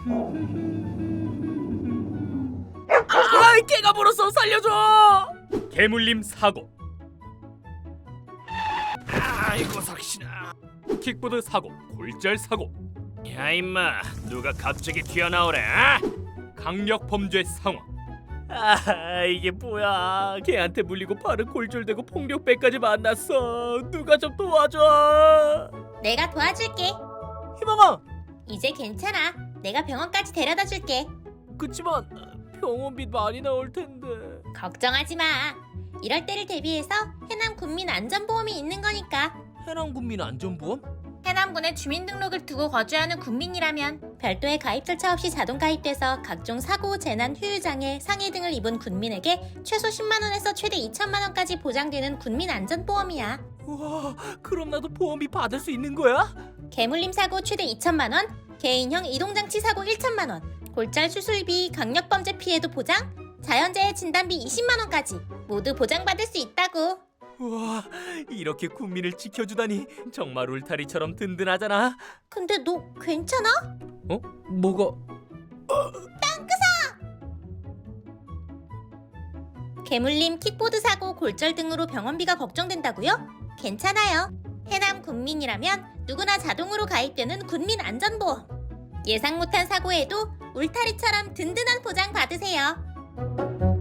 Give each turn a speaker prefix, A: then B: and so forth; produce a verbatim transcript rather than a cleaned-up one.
A: 아, 개가 물었어. 살려줘.
B: 개물림 사고.
A: 아이고 석신아.
B: 킥보드 사고, 골절 사고,
A: 야 임마, 누가 갑자기 튀어나오래? 아?
B: 강력 범죄 상황.
A: 아, 이게 뭐야? 걔한테 물리고 팔은 골절되고 폭력배까지 만났어. 누가 좀 도와줘.
C: 내가 도와줄게.
A: 희망아.
C: 이제 괜찮아. 내가 병원까지 데려다 줄게.
A: 그치만 병원비 많이 나올 텐데.
C: 걱정하지 마. 이럴 때를 대비해서 해남 군민 안전보험이 있는 거니까.
A: 해남군민 안전보험?
C: 해남군에 주민등록을 두고 거주하는 군민이라면 별도의 가입 절차 없이 자동 가입돼서 각종 사고, 재난, 후유장애, 상해 등을 입은 군민에게 최소 십만 원에서 최대 이천만 원까지 보장되는 군민 안전보험이야.
A: 우와, 그럼 나도 보험비 받을 수 있는 거야?
C: 개물림 사고 최대 이천만 원, 개인형 이동장치 사고 일천만 원, 골절 수술비, 강력범죄 피해도 보장, 자연재해 진단비 이십만 원까지 모두 보장받을 수 있다고.
A: 우와, 이렇게 군민을 지켜주다니 정말 울타리처럼 든든하잖아.
C: 근데 너 괜찮아?
A: 어? 뭐가?
C: 개물림, 킥보드 사고, 골절 등으로 병원비가 걱정된다고요? 괜찮아요. 해남 군민이라면 누구나 자동으로 가입되는 군민 안전보험. 예상 못한 사고에도 울타리처럼 든든한 보장 받으세요.